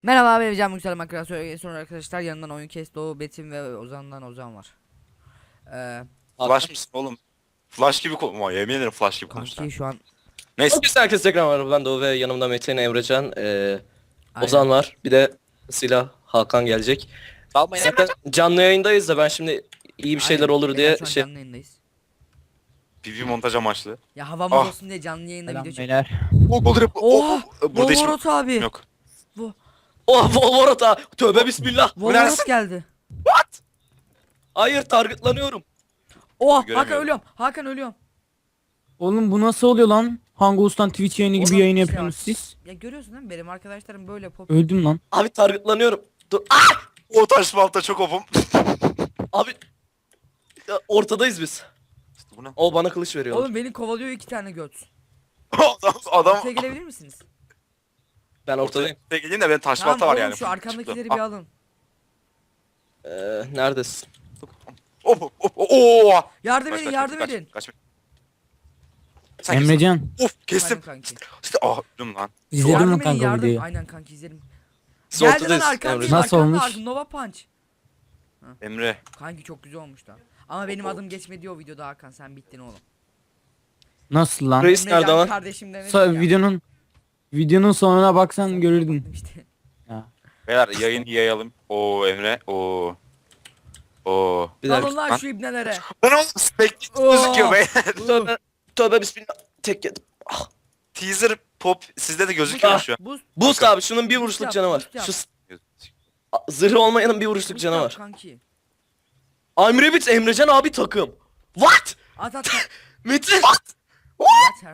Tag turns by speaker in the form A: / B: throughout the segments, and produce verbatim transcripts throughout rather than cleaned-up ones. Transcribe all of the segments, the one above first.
A: Merhaba ben Can Yüksel Makara sonra arkadaşlar yanından oyun kes Doğu Betim ve Ozan'dan Ozan var. Ee,
B: Flash mısın oğlum? Flash gibi konuşma. Yemin ederim flash gibi konuştu.
A: kanki şu an
B: Neyse.
C: Herkese herkese tekrar merhaba, ben Doğu ve yanımda Metin, Emrecan, ee,
A: aynen.
C: Ozan var. Bir de silah Hakan gelecek.
B: Dalmayın.
C: Zaten canlı yayındayız da ben şimdi iyi bir şeyler
A: Aynen.
C: olur diye
A: Beyler, şu an
C: şey...
A: canlı yayındayız.
B: P V montaj amaçlı.
A: Ya havamız
B: Ah.
A: olsun diye canlı yayında
D: Selam
A: video çek.
D: beyler.
B: Oh, olur.
A: Oha!
B: Burada hiç
A: Volvorot abi.
B: yok.
C: Oh Volvorot ha! Tövbe bismillah!
A: Volvorot geldi.
C: Hayır, targetlanıyorum.
A: Oha Hakan
B: Göremiyorum.
A: ölüyorum. Hakan ölüyorum.
D: Oğlum bu nasıl oluyor lan? Hangouts'tan Twitch yayını gibi
A: Oğlum,
D: yayın
A: işte
D: yapıyorsunuz
A: bak.
D: siz?
A: Ya görüyorsun değil mi? Benim arkadaşlarım böyle pop.
D: Öldüm lan.
C: Abi targetlanıyorum. Dur. Ah!
B: O taş balta çok opum.
C: Abi ya, ortadayız biz.
B: Bu ne?
C: O bana kılıç veriyor.
A: Oğlum beni kovalıyor iki tane göt.
B: adam adam.
A: Ortaya gelebilir misiniz?
C: Ben ortadayım.
B: Ortaya geleyim de benim taş
A: Tamam
B: balta var
A: oğlum
B: yani.
A: şu arkamdakileri
B: Ah.
A: bir alın.
C: Ee, neredesin?
B: Hop hop hop. Oo.
A: Yardım
B: Kaç,
A: edin
B: kaç,
A: yardım
B: kaç,
A: edin.
B: kaç, kaç. Sen kimsin?
D: Emrecan
B: Of kestim.
A: Efendim kanki.
B: İşte ah öldüm lan.
D: izledin
A: Yardım
D: mi
A: edin,
D: kanka
A: yardım.
D: videoyu?
A: Aynen kanki izledim.
C: Biz
A: Geldi lan
C: ortadayız.
A: arkamda.
C: Emrecan.
D: Nasıl
A: arkamda,
D: olmuş?
A: ar- Nova Punch.
B: Emre.
A: Kanki çok güzel olmuş da. Ama benim adım geçmedi o videoda Hakan, sen bittin oğlum.
D: Nasıl lan?
C: Reis
A: Emrecan
C: nerede lan?
A: kardeşim demedim
D: Sa-
A: ya.
D: videonun videonun sonuna baksan görürdün.
A: İşte.
D: Ya.
B: Beyler yayın yayalım. Oo Emre. Oo. Oo.
C: Bir
A: Dalın
C: dakika.
A: lan
B: lan.
A: şu ibnelere.
B: Ben oğlum speklit
A: Oo.
B: gözüküyor be.
C: Tövbe, tövbe bismillah. Tek yedim.
B: Teaser pop sizde de gözüküyor
C: Ah.
B: şu an.
A: Boost,
C: Boost abi, şunun bir
A: Boost
C: vuruşluk
A: yap,
C: canı var.
A: boost yap.
C: Şu s- A- zırhı olmayanın bir vuruşluk
A: boost
C: canı
A: yap
C: var.
A: Kanki.
C: I'm Rabbit Emrecan abi takım. What?
A: At at at.
C: Metin.
A: Yeter.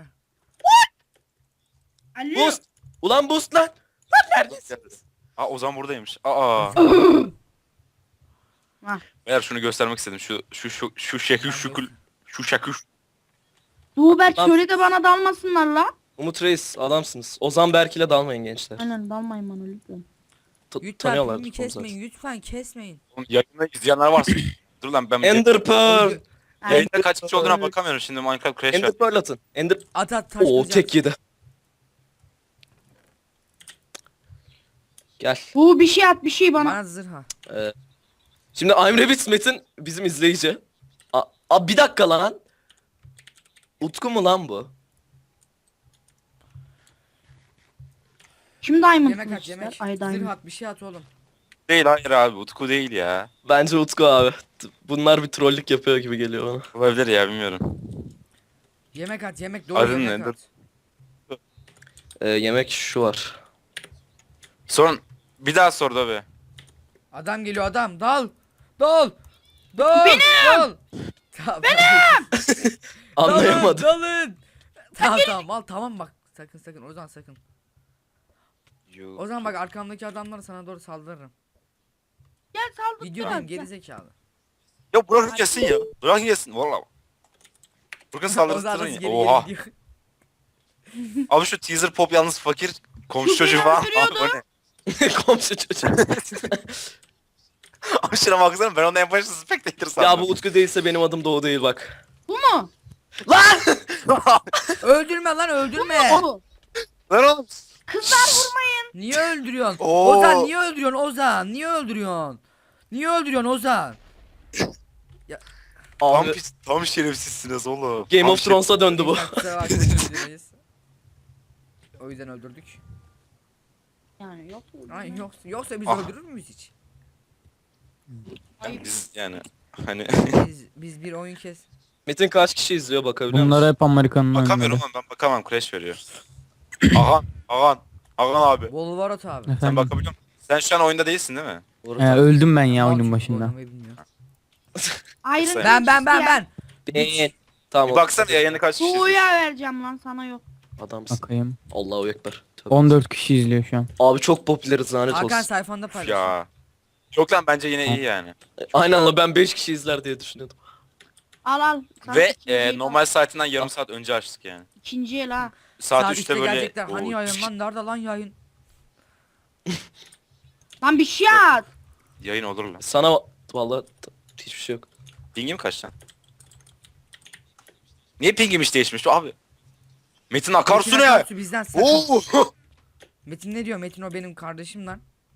C: Boost. Ulan boost lan. Lan neredesiniz?
B: Aa Ozan buradaymış. Aa. Beyler şunu göstermek istedim. Şu şu şu şu şekil şükül şu şekil.
E: Tuğberk
C: Lan-
E: şöyle de bana dalmasınlar la.
C: Umut Reis adamsınız. Ozan Berk ile dalmayın gençler.
E: Aynen dalmayın bana lütfen.
C: T-
A: Lütfen
C: tanıyorlar.
A: filmi
C: onu zaten.
A: kesmeyin, lütfen kesmeyin.
B: Yayında izleyenler varsa. Dur lan ben
C: Ender Pearl.
B: yayında kaç kişi olduğuna bakamıyorum şimdi Minecraft Crash
C: Ender
B: var.
C: Pearl atın. Ender...
A: At at taş
C: Oo
A: kılacağım.
C: tek yedi. Gel.
E: Bu bir şey at bir şey bana.
A: Bana zırha.
C: Ee, şimdi I'm Rabbit Metin bizim izleyici. A, a bir dakika lan. Utku mu lan bu?
E: Kim diamond
A: Yemek at
E: kılıçlar?
A: yemek.
E: Ay
A: Zırh
E: diamond.
A: at bir şey at oğlum.
B: Değil hayır abi Utku değil ya.
C: Bence Utku abi. T- Bunlar bir trollük yapıyor gibi geliyor bana.
B: Olabilir ya bilmiyorum.
A: Yemek at yemek doğru
B: Adın
A: yemek
B: nedir?
A: at.
C: Ee, yemek şu var.
B: Son bir daha sor da be.
A: Adam geliyor adam dal. Dal. Dal. Benim. Dal. Tamam, Benim.
C: Anlayamadım.
A: Dalın. dalın. Tamam tamam al tamam bak. Sakın sakın Ozan sakın. O zaman bak arkamdaki adamlar sana doğru saldırırım.
E: Gel saldır.
A: Videodayım gerizekalı.
B: Ya bırakın gelsin ya. Bırakın gelsin valla. Bırakın
A: Ozan
B: saldırtırın
A: nasıl
B: ya.
A: geri
B: Oha.
A: geri gidiyor.
B: Abi şu teaser pop yalnız fakir komşu çocuğu falan. Abi o ne?
C: Komşu çocuğu.
B: Abi şuna baksana ben onu en başta spectator sandım.
C: Ya bu Utku değilse benim adım Doğu değil bak.
E: Bu mu?
C: Lan!
A: Öldürme lan öldürme.
E: Bu.
B: Lan oğlum.
E: Kızlar vurmayın.
A: Niye öldürüyorsun?
B: Oo.
A: Ozan niye öldürüyorsun Ozan? Niye öldürüyorsun? Niye öldürüyorsun Ozan?
B: Tam
C: Abi
B: pis, tam şerefsizsiniz oğlum.
C: Game
B: Tam
C: of Thrones'a döndü bu.
A: Kusura bakmayın, özür dileriz. O yüzden öldürdük.
E: Yani yok.
A: Ay yoksa, yoksa biz
B: Ah.
A: öldürür müyüz hiç?
B: şeref- Biz yani hani
A: Biz biz bir oyun kes.
C: Metin kaç kişi izliyor bakabiliyor musun?
D: Bunlar hep Amerikan'ın
B: bakamıyorum
D: oyunları.
B: ama ben bakamam crash veriyor. Agan, Agan, Agan abi.
A: Volvarot abi.
B: Sen
D: Efendim.
B: bakabiliyor musun? Sen şu an oyunda değilsin değil mi?
C: Doğru.
D: He, öldüm ben ya
A: Mal
D: oyunun
A: çünkü
D: başında.
A: oynamayı bilmiyor.
E: Ayrı
A: Ben ben ben ben.
C: Ben. Tamam.
B: Bir baksana yayını kaç kişi izliyor?
E: Tuğya vereceğim lan sana yok.
C: Adamsın.
D: Bakayım.
C: Allahu ekber. Tövbe.
D: on dört kişi izliyor şu an.
C: Abi çok popüleriz lanet
A: Hakan
C: olsun.
A: sayfanda paylaş.
B: Ya. Yok lan bence yine iyi yani.
C: Aynen la, ben beş kişi izler diye düşünüyordum.
E: Al al. Sana
B: Ve
E: ikinciye
B: e,
E: kal.
B: normal saatinden yarım saat önce açtık yani.
E: İkinciye la.
B: Saat,
A: Saat
B: üçte
A: üçte
B: böyle.
A: gelecekler. Hani
B: Oo,
A: yayın lan nerede lan yayın?
E: Lan bir şey at.
B: Yayın olur lan.
C: Sana vallahi t- hiçbir şey yok.
B: Pingim kaç lan? Niye pingim hiç değişmiş abi? Metin akarsu
A: Metin
B: ne?
A: Akarsu bizden sakın.
B: Oo!
A: Metin ne diyor? Metin o benim kardeşim lan.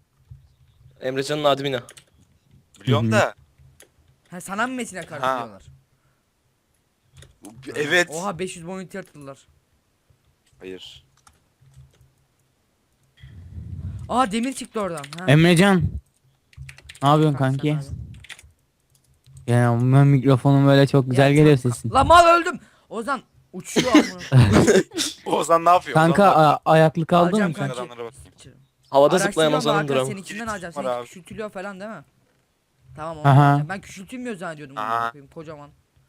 C: Emrecan'ın admini.
B: Biliyorum
D: Hı hı.
B: da.
A: Ha sana mı Metin'e karşı
B: Ha.
A: diyorlar?
B: Evet.
A: Oha beş yüz boyunti yatırdılar.
B: Hayır.
A: Aa demir çıktı oradan. Ha.
D: Emrecan. Ne yapıyorsun
A: Kanka,
D: kanki?
A: sen abi.
D: Ya ben mikrofonum böyle çok güzel
A: Ya,
D: geliyor
A: tamam.
D: sesin.
A: La mal öldüm. Ozan uçuyor amına.
B: Ozan ne yapıyor?
D: Kanka
B: Ozan ne yapıyor?
D: a- ayaklı kaldın
A: Alacağım
D: mı sen?
A: kanka.
B: Adamlara bakayım.
C: Havada zıplayan
A: Araştırıyorum
C: Ozan'ındır
A: Hakan,
C: ama.
A: Seninkinden alacağım.
B: Var
A: Seninki
B: abi.
A: küçültülüyor falan değil mi? Tamam onu
D: Aha.
A: alacağım. Ben küçültülmüyor zannediyordum.
B: Aha.
A: Aha. Kocaman.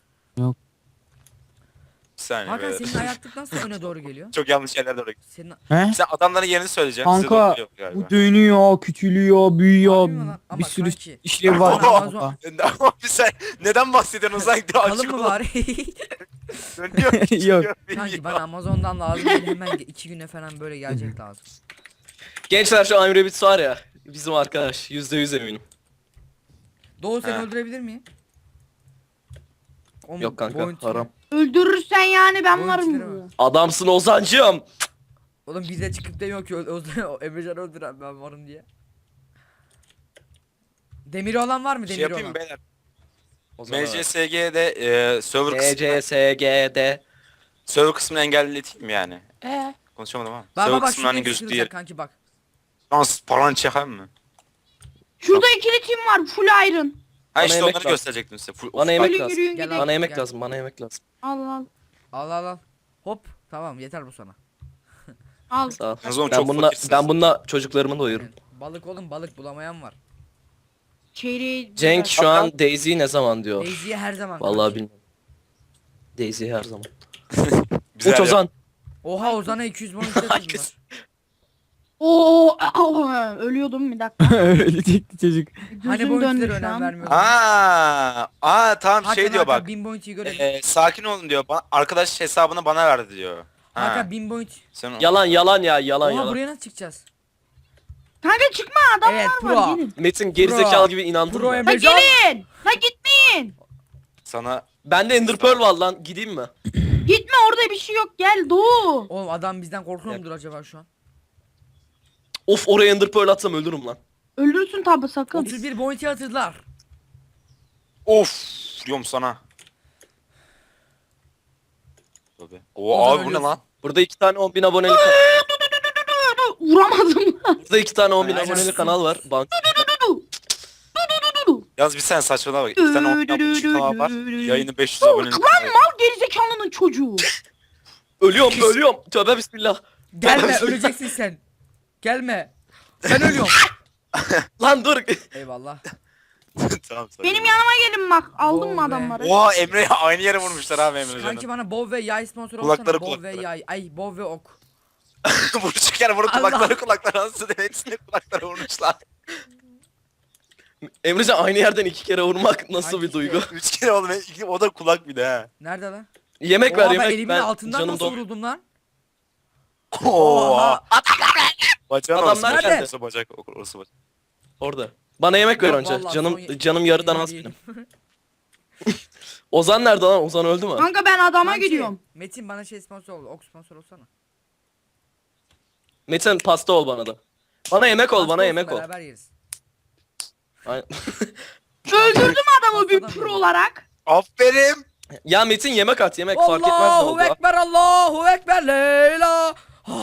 B: Bir saniye.
A: Hakan
B: beyler.
A: senin ayaklık nasıl öne doğru geliyor?
B: Çok yanlış yerlere doğru.
A: Senin
D: He?
B: Sen adamların yerini söyleyeceksin. size
D: Kanka
B: doğru geliyor galiba.
D: bu dönüyor, küçülüyor, büyüyor.
A: Harbi mi lan? Ama
D: Bir sürü
A: kanki.
D: işlevi var.
A: Ama Amazon-
D: kanka.
B: Ama bir sen neden bahsediyorsun Ozan?
A: kalın
B: Açık
A: mı
B: ol.
A: bari?
B: Dönüyor.
D: Yok.
B: çıkıyor,
A: Kanki
B: biliyor.
A: bana Amazon'dan lazım değil, hemen iki güne falan böyle gelecek lazım.
C: Gençler şu Amir Bits var ya. Bizim arkadaş. Yüzde yüz eminim.
A: Doğu seni
B: Ha.
A: öldürebilir miyim? O mu-
C: Yok kanka
A: boyuntileri-
C: haram.
E: Öldürürsen yani ben
A: Boyuntileri
E: varım.
A: var.
C: Adamsın Ozancığım.
A: Oğlum bize çıkıp demiyor ki o, o, Emrecan öldüren ben varım diye. Demiri olan var mı
B: Şey
A: demiri
B: yapayım
A: olan?
B: mı beyler?
C: Ozan
B: M C S G'de e, server
C: D
B: kısmını,
C: C S G D.
B: server kısmını engelleteyim mi yani?
C: Eee?
B: Konuşamadım ama.
A: Bak
B: server
A: bak bak
B: kısmının hani
A: şurada
B: gözüktüğü
A: gözüküyor
B: yer.
A: kanki bak.
B: Dans falan çeker mi?
E: Şurada ikili tim var full iron.
B: Ha
C: Bana
B: işte
C: yemek
B: onları
C: lazım.
B: gösterecektim size. Full,
C: Bana
B: of-
C: yemek
E: Yürüyün,
C: lazım.
E: yürüyün
A: Gel
E: gidelim.
A: abi.
C: Bana yemek
A: Gel.
C: lazım. Bana yemek lazım.
E: Al al.
A: Al al al. Hop tamam yeter bu sana.
E: Al.
C: Sağ ol.
B: Yalnız oğlum
C: Ben
B: çok
C: bununla
B: fakirsiniz.
C: ben bununla çocuklarımı doyururum.
A: Balık oğlum balık bulamayan var.
E: Çeyreği.
C: Cenk şu an Daisy ne zaman diyor.
A: Daisy'ye her zaman.
C: Vallahi
A: kanki.
C: bilmiyorum. Daisy her zaman.
B: Güzel
C: Uç
B: ya.
C: Ozan.
A: Oha Ozan'a iki yüz bonus yatırdılar.
C: Herkes-
E: Oo, aa, ölüyordum bir dakika.
D: Ölecekti çocuk.
A: Hani
E: Gözüm
A: bounty'lere
E: döndü şu
A: önem
E: an.
A: vermiyordun.
B: Aa, aa tamam
A: Hakan,
B: şey diyor
A: Hakan,
B: bak.
A: bin bounty'yi görelim.
B: E, sakin olun diyor. Ba- arkadaş hesabını bana verdi diyor. Ha.
A: Hakan bin bounty.
B: Sen
C: Yalan yalan ya yalan
A: Oha
C: yalan.
A: buraya nasıl çıkacağız?
E: Kanka çıkma adamlar
A: Evet,
E: var
A: pro.
E: gelin.
C: Metin gerizekalı gibi inandın
A: Pro
C: mı?
A: Emre-
E: La gelin. La gitmeyin.
B: sana
C: Bende Ender Pearl var lan gideyim mi?
E: Gitme orada bir şey yok gel Doğu.
A: Oğlum adam bizden korkuyor mudur acaba şu an?
C: Of oraya Ender Pearl atsam ölürüm lan.
E: Öldürsün tabi sakın.
A: otuz bir bounty yatırdılar.
B: of diyorum sana. Tabii. Oo
A: Ozan
B: abi bu ne
A: ölüyorsun.
B: lan?
C: Burada iki tane on bin abonelik
E: Vuramadım.
C: Burada iki tane on bin
B: Aynen.
C: abonelik kanal var. Bank.
B: Yalnız bir sen saçmalama bak. İki tane on bin abone kanal var. Yayını beş yüz abone.
E: Lan mal gerizekalının çocuğu.
C: Ölüyorum ölüyorum. Tövbe bismillah.
A: Gelme öleceksin sen. Gelme. Sen ölüyorsun.
C: Lan dur.
A: Eyvallah.
B: tamam tamam.
E: Benim yanıma gelin bak. Aldım
A: Oo
E: mı
A: be.
E: adamları?
B: Oha Emre'ye aynı yere vurmuşlar abi Emre
A: Kanki
B: canım.
A: bana bov ve yay sponsor olsana.
B: Kulakları,
A: Bov ve
B: kulakları.
A: yay. Ay bov ve ok.
B: Vuruşurken vurup
A: Allah.
B: kulakları kulakları anasını hepsini kulaklara vurmuşlar.
C: Emrecan aynı yerden iki kere vurmak nasıl
A: Kanki
C: bir duygu?
B: Üç kere oğlum iki- o da kulak bir de ha.
A: Nerede lan?
C: Yemek
A: Oha
C: ver
A: ben
C: yemek.
A: elimin
C: Ben
A: altından
C: canım
A: nasıl
C: dolu.
A: vuruldum lan?
B: Oha. Bacağın
C: Adamlar
B: orası bacak,
A: nerede?
B: orası bacak, orası bacak.
C: Orada. Bana yemek ver
A: Yok,
C: önce.
A: vallahi
C: Canım
A: son-
C: canım yarıdan
A: son
C: az
A: yedim.
C: benim. Ozan nerede lan? Ozan öldü mü?
E: Kanka ben adama
A: Kanki,
E: gidiyorum.
A: Metin bana şey sponsor ol. Ok sponsor olsana.
C: Metin pasta ol bana da. Bana yemek ol,
A: Pasta
C: bana
A: olsun,
C: yemek ol.
A: Beraber yeriz.
C: Aynen.
E: Öldürdüm adamı bir
A: Pastadan
E: pro
A: yedim.
E: olarak.
B: Aferin.
C: Ya Metin yemek at, yemek fark etmez ne
A: Allahu
C: oldu.
A: Ekber Allahu Ekber Leyla.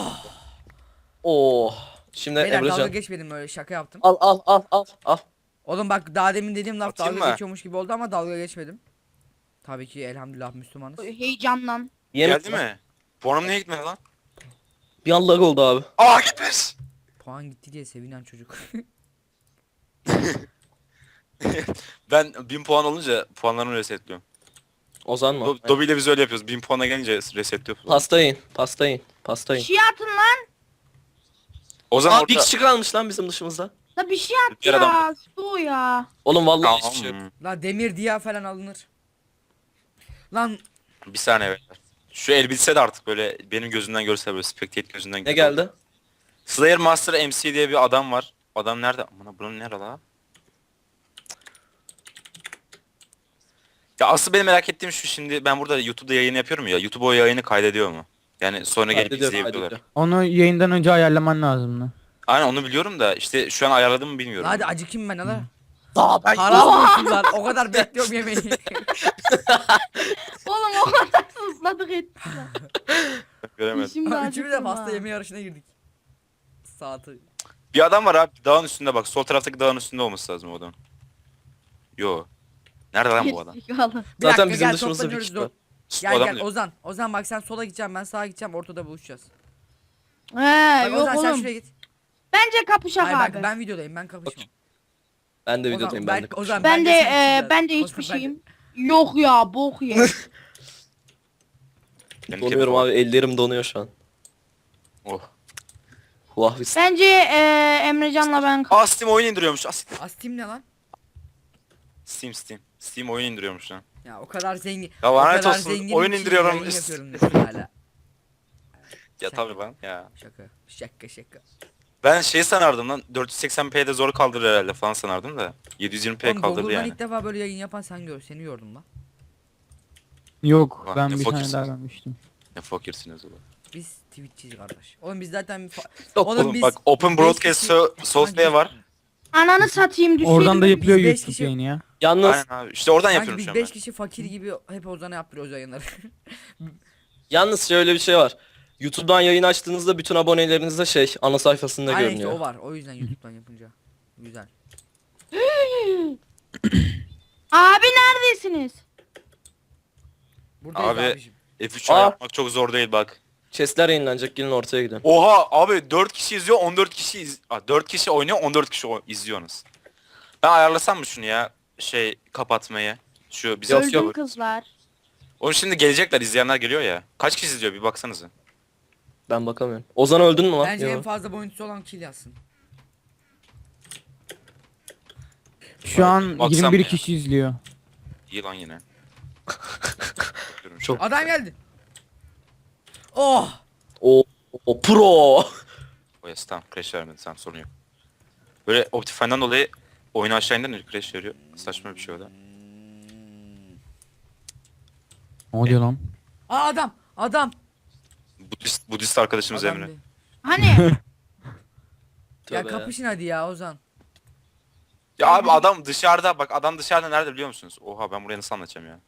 C: Oh. Şimdi
A: Beyler dalga
C: Emrecan.
A: geçmedim öyle şaka yaptım.
C: Al al al al al.
A: Oğlum bak daha demin dediğim laf
B: Atayım
A: dalga
B: mı?
A: geçiyormuş gibi oldu ama dalga geçmedim. Tabii ki elhamdülillah Müslümanız.
E: Heyecanlan.
C: Yemek
B: Geldi mi? Puanım niye gitmedi lan?
C: Bir an lag oldu abi.
B: Aa gitmiş.
A: Puan gitti diye sevinen çocuk.
B: Ben bin puan olunca puanlarımı resetliyorum.
C: Ozan mı?
B: Do Dobby ile biz öyle yapıyoruz. bin puana gelince resetliyoruz.
C: Pasta yiyin, pasta yiyin, pasta
E: Bir
C: yiyin.
E: şey atın lan.
B: O zaman
C: Aa bir
B: orada...
C: kişi kalmış lan bizim dışımızda.
E: La bir şey at
B: Bir adam-
E: ya. Doğu ya.
C: Oğlum vallahi
B: Tamam.
C: hiçbir şey yok.
A: La demir diya falan alınır. Lan
B: Bir saniye beyler. Şu elbise de artık böyle benim gözümden görse böyle spectate gözünden
C: Ne
B: görse.
C: geldi?
B: Slayer Master M C diye bir adam var. Adam nerede? Aman buranın nerede la? Ya asıl benim merak ettiğim şu, şimdi ben burada YouTube'da yayın yapıyorum ya. YouTube o yayını kaydediyor mu? Yani sonra gelip
C: Kaydediyor,
B: izleyebiliyorlar.
C: kaydediyor.
D: Onu yayından önce ayarlaman lazım lan.
B: Aynen onu biliyorum da işte şu an ayarladım mı bilmiyorum.
A: Hadi acıkayım ben ala.
C: Daha ben
A: Haram olsun lan. O kadar bekliyorum yemeği.
E: Oğlum o kadar ısladık ettik.
B: Göremedim.
E: Şimdi
A: Üçümüz de
E: acıktım
A: pasta
E: ha.
A: yeme yarışına girdik. Saati.
B: Bir adam var abi dağın üstünde bak. Sol taraftaki dağın üstünde olması lazım o adam. Yo. Nerede lan bu adam?
E: Gerizekalı.
A: Bir
C: Zaten
A: dakika,
C: bizim
A: gel,
C: dışımızda bir
A: toplanıyoruz,
C: kişi
A: dur.
C: var.
B: İşte
A: Gel
B: o adam
A: gel
B: diyor.
A: Ozan. Ozan bak sen sola gideceğim ben sağa gideceğim ortada buluşacağız.
E: He
A: Bak
E: yok
A: Ozan sen
E: oğlum.
A: şuraya git.
E: Bence kapışak
A: Hayır bak
E: abi.
A: ben videodayım ben kapışmam.
C: Ben de
A: Ozan,
C: videodayım
A: ben-
C: ben de.
A: Ozan,
E: Ben de
A: sen
E: e,
A: içeceğiz.
E: ben de
A: Ozan,
E: hiçbir
A: ben de-
E: şeyim. Yok ya bok ye.
B: Benim
C: Donuyorum
B: kedi-
C: abi, ellerim donuyor şu an.
B: Oh.
C: Huahvis.
E: Bence e, Emrecan'la ben
B: Aa Steam oyun indiriyormuş. Aa, Steam.
A: Astim ne lan?
B: Steam Steam. Steam oyun indiriyormuş lan.
A: Ya o kadar zengin.
B: Ya
A: o
B: lanet
A: kadar
B: olsun,
A: zenginim
B: oyun
A: ki
B: indiriyorum.
A: yayın yapıyorum diyorsun hala.
B: Ya tabii lan ya.
A: Şaka. Şaka şaka.
B: Ben şey sanardım lan dört yüz seksen p'de zor kaldırır herhalde falan sanardım da. yedi yüz yirmi p
A: Oğlum
B: kaldırdı
A: Google'dan
B: yani.
A: ilk defa böyle yayın yapan sen gör. Seni gördüm lan.
D: Yok
B: Bak,
D: ben
B: ne
D: bir tane
B: fakirsin.
D: daha görmüştüm.
B: Ne fakirsiniz oğlum.
A: Biz Twitch'ciyiz kardeş. Oğlum biz zaten fa-
C: Yok
A: Oğlum
B: Oğlum
A: biz
B: bak Open
A: beş
B: Broadcast
A: kişi-
B: so Software var.
E: ananı satayım düşeydim.
D: Oradan da yapılıyor
A: biz beş
D: YouTube
A: kişi-
D: yayını ya.
C: Yalnız
B: Aynen abi. İşte oradan
A: Sanki
B: yapıyorum
A: biz
B: şu an
A: beş
B: ben.
A: kişi fakir gibi hep Ozan'a yaptırıyoruz yayınları.
C: yalnız şöyle bir şey var. YouTube'dan yayın açtığınızda bütün abonelerinizde şey ana sayfasında
A: Aynen işte
C: görünüyor.
A: o var. O yüzden YouTube'dan yapınca. Güzel.
E: Abi neredesiniz?
A: Buradayız
B: Abi-
A: abiciğim.
B: F üç
C: Aa.
B: yapmak çok zor değil bak.
C: Chestler yayınlanacak, gelin ortaya gidin.
B: Oha abi dört kişi izliyor on dört kişi iz Aa, dört kişi oynuyor on dört kişi o- izliyorsunuz. Ben ayarlasam mı şunu ya? Şey kapatmayı. Şu bize atıyor
E: Öldüm
B: bu.
E: kızlar.
B: Oğlum şimdi gelecekler izleyenler geliyor ya. Kaç kişi izliyor bir baksanıza.
C: Ben bakamıyorum. Ozan öldün mü lan?
A: Bence
C: Yo.
A: en fazla boyuntusu olan kill yazsın.
D: Şu an
B: Baksam
D: yirmi bir
B: ya.
D: kişi izliyor.
B: İyi lan yine. Bakıyorum şu
C: Çok-
B: an.
A: Adam geldi. Oh!
C: O, o pro.
B: O yes tamam crash vermedi tamam sorun yok. Böyle Optifine'dan dolayı oyunu aşağı indirince crash veriyor. Saçma bir şey o da.
D: Ne oluyor lan?
A: Aa adam! Adam!
B: Budist, Budist arkadaşımız
A: Adam
B: Emre.
A: değil.
E: Hani
A: Ya
C: Tövbe.
A: kapışın hadi ya Ozan.
B: Ya abi adam dışarıda bak adam dışarıda nerede biliyor musunuz? Oha ben buraya nasıl anlatacağım ya.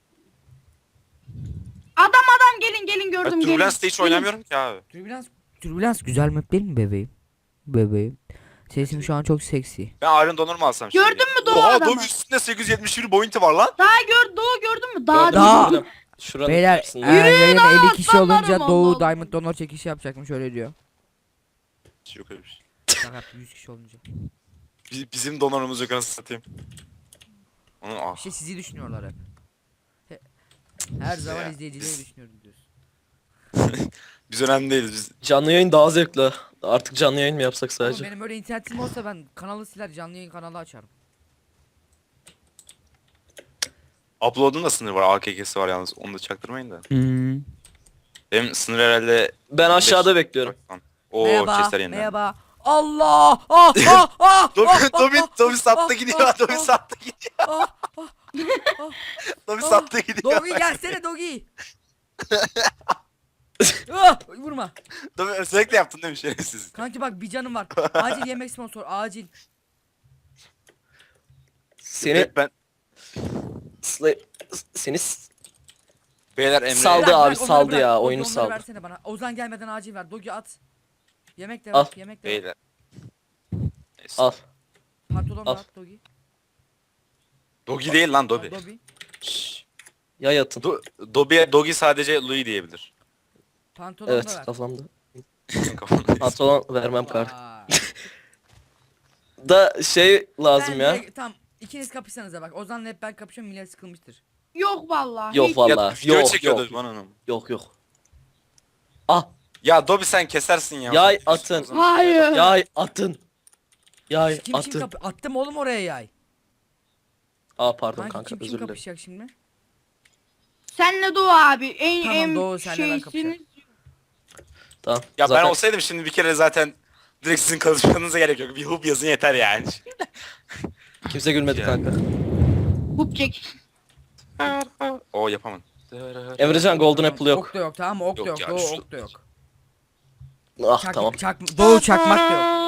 E: adam adam gelin gelin
B: Ben
E: gördüm gelin.
B: Turbulence'de hiç oynamıyorum ki abi.
A: Türbülans Türbülans güzel map değil mi bebeğim? Bebeğim. Sesim şu an çok seksi.
B: Ben Iron Donor mu alsam şimdi?
E: Gördün mü Doğu
B: Oha
E: adamı?
B: Doğu üstünde sekiz yüz yetmiş bir boyunti var lan.
E: Daha gör Doğu gördün mü? Daha
C: Gördüm,
A: Daha-
C: gördüm. Şuranın
A: Beyler
C: karşısında.
A: eğer yayına elli kişi
E: aslanlarım,
A: olunca
E: Allah
A: Doğu
E: Allah.
A: Diamond Donor çekişi yapacakmış öyle diyor.
B: Yok öyle bir şey.
A: Şaka yaptım, yüz kişi olunca.
B: Bi- Bizim donorumuz yok anasını satayım. Onun ah.
A: İşte sizi düşünüyorlar hep. He- Her zaman
B: Ya,
A: izleyicileri
B: biz-
A: düşünüyorum diyorsun.
B: Biz önemli değiliz biz.
C: Canlı yayın daha zevkli. Artık canlı yayın mı yapsak
A: Oğlum
C: sadece?
A: benim öyle internetim olsa ben kanalı siler canlı yayın kanalı açarım.
B: Upload'un da sınırı var. A K K'si var yalnız. Onu da çaktırmayın da.
D: Hmm.
B: Benim sınır herhalde
C: Ben aşağıda
B: beş-
C: bekliyorum.
B: Oo
A: merhaba,
B: chestler yeniden.
A: merhaba. Allah! Ah! Ah! Ah!
B: Dobi,
A: ah,
B: Dobi,
A: ah,
B: Dobi
A: ah,
B: sattı
A: ah,
B: gidiyor.
A: ah,
B: Dobi
A: ah,
B: sattı gidiyor.
A: ah,
B: Dobi
A: ah.
B: sattı gidiyor.
A: Dogi gelsene Dogi. Ah, vurma.
B: Dobi sürekli yaptın değil mi şerefsiz?
A: Kanki bak bir canım var. Acil yemek sponsor acil.
C: Seni
B: Ben
C: sla- seni s-
B: beyler Emre.
C: Saldı
A: Bırak,
C: abi,
A: bırak, onları
C: saldı
A: bırak.
C: ya,
A: Dogi,
C: oyunu
A: onları
C: saldı.
A: versene bana. Ozan gelmeden acil ver. Dogi at. Yemek de
C: Al.
A: ver. Yemek de ver.
B: Beyler. Neyse.
C: al.
A: Pantolon da
C: Al.
A: at Dogi.
B: Dogi değil lan
A: Al,
B: Dobi.
A: Dobi.
B: Şşş.
C: Yay atın.
B: Do Dobi'ye Dogi sadece Louis diyebilir.
A: Pantolon da
C: Evet
A: ver.
C: kafamda.
B: Kafamda.
C: Pantolon vermem kar.
A: Vay.
C: Da şey lazım
A: Ben
C: ya.
A: direkt- Tamam ikiniz kapışsanıza bak. Ozan'la hep ben kapışıyorum millet sıkılmıştır.
E: Yok vallahi.
C: Yok
E: hiç.
C: vallahi.
B: Video
C: Yok
B: çekiyordu
C: yok.
B: bana onu.
C: Yok yok. Ah,
B: Ya Dobi sen kesersin ya.
C: yay atın.
E: Hayır.
C: Yay atın. Yay
A: Kim kim
C: atın.
A: kapı attım oğlum oraya yay.
C: Aa pardon
A: Kanki
C: kanka
A: kim kim
C: özür dilerim.
A: kapışacak şimdi?
E: Senle Doğu abi. En
A: Tamam,
E: en
A: Doğu, senle ben
E: şeysiniz.
C: Tamam.
B: Ya
C: zaten
B: ben olsaydım şimdi bir kere zaten direkt sizin konuşmanıza gerek yok. Bir hub yazın yeter yani.
C: kimse gülmedi
B: Ya.
C: kanka.
E: Hup çek.
B: O yapamadım.
C: Emrecan Golden Apple yok.
A: Ok da yok tamam mı? Ok da
B: Yok
A: yok.
B: ya,
A: Doğu
B: şu-
A: ok da yok.
C: Ah
A: Çak,
C: tamam.
A: çak, Doğu çakmak da yok.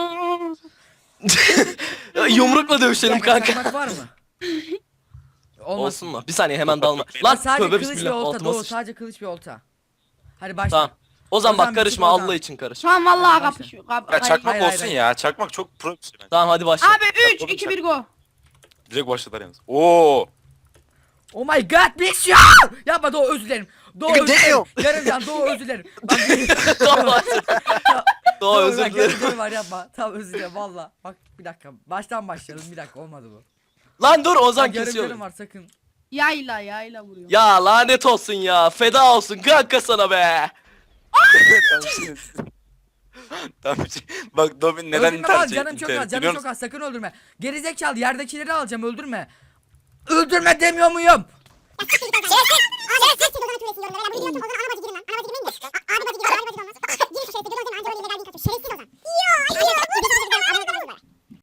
C: Yumrukla
A: Bir
C: dövüşelim
A: dakika,
C: kanka.
A: çakmak var mı? Olmaz.
C: Olsun mu? Bir saniye hemen dalma.
B: Lan
C: Lan
A: Sadece
C: tövbe
A: kılıç ve
C: bismillah.
A: olta.
C: Altıma
A: Doğu
C: sıçtı.
A: sadece kılıç ve olta. Hadi başla.
C: Tamam. O zaman
A: Ozan,
C: bak karışma
A: bir çık Ozan.
C: Allah için karış.
E: Şu an vallahi
A: Hadi başla.
E: kapışıyor. Kap
B: Ya
E: hayır.
B: çakmak
A: hayır,
B: olsun
A: hayır.
B: ya. Çakmak çok pro bir şey bence.
C: Tamam hadi başla.
E: Abi üç iki bir go.
B: Direkt başladılar yalnız. Oo.
A: Oh my god bless you. Yapma Doğu, özür dilerim. Doğu özür dilerim. Yarım can Doğu özür dilerim. Bak,
C: Tamam başla. Doğa
A: Doğu,
C: özür
A: bak, yarım
C: dilerim.
A: canım var yapma. Tamam özür dilerim valla. Bak bir dakika. Baştan başlayalım bir dakika, olmadı bu.
C: Lan dur Ozan
A: Bak, yarım
C: kesiyor.
A: canım var sakın.
E: Yayla yayla vuruyor.
C: Ya lanet olsun ya. Feda olsun kanka sana be.
B: Tamam, şimdi- Tamam. şimdi- Bak Dobin neden
A: öldürme
B: intihar
A: lan,
B: etti?
A: canım çok
B: İntihar
A: az,
B: etti
A: canım
B: biliyor
A: çok
B: musun?
A: az, sakın öldürme. Gerizekalı, yerdekileri alacağım, öldürme. Öldürme demiyor muyum?
F: Şerefsiz Ozan.